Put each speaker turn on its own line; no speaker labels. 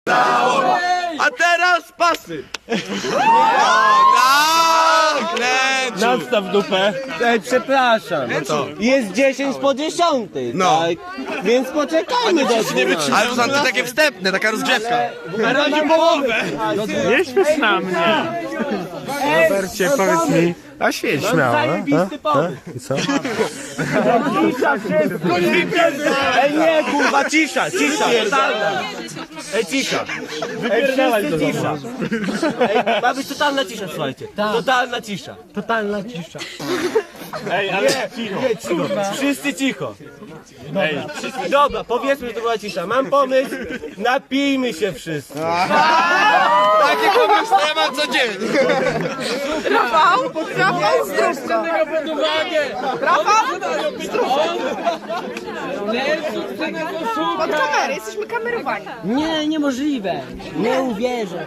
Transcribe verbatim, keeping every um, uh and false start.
A teraz pasy! Tak, leciu!
Nadstaw dupę.
Ej, przepraszam.
No to.
Jest dziesięć po dziesiątej,
No.
tak? Więc poczekajmy do dwunastej.
Ale to są takie wstępne, taka rozgrzewka.
Na razie połowę. Nie śmiesz na mnie. Robercie, powiedz mi. A świeć śmiało.
Zajebisty pomysł.
I co?
Ej, nie, kurwa, cisza, cisza, totalna. Ej, cisza.
Wypierdalaj to
Cisza. Ej, ma być totalna cisza, słuchajcie. Totalna cisza.
Totalna cisza.
Ej, ale cicho.
Nie, cicho. Wszyscy cicho.
Ej,
Dobra, powiedzmy, że to była cisza. Mam pomysł, napijmy się wszyscy.
Takie pomysły ja mam codziennie.
Rafał? Rafał, zdrówko. Rafał? Pod kamerę, jesteśmy kamerowani.
Nie, niemożliwe. Nie uwierzę.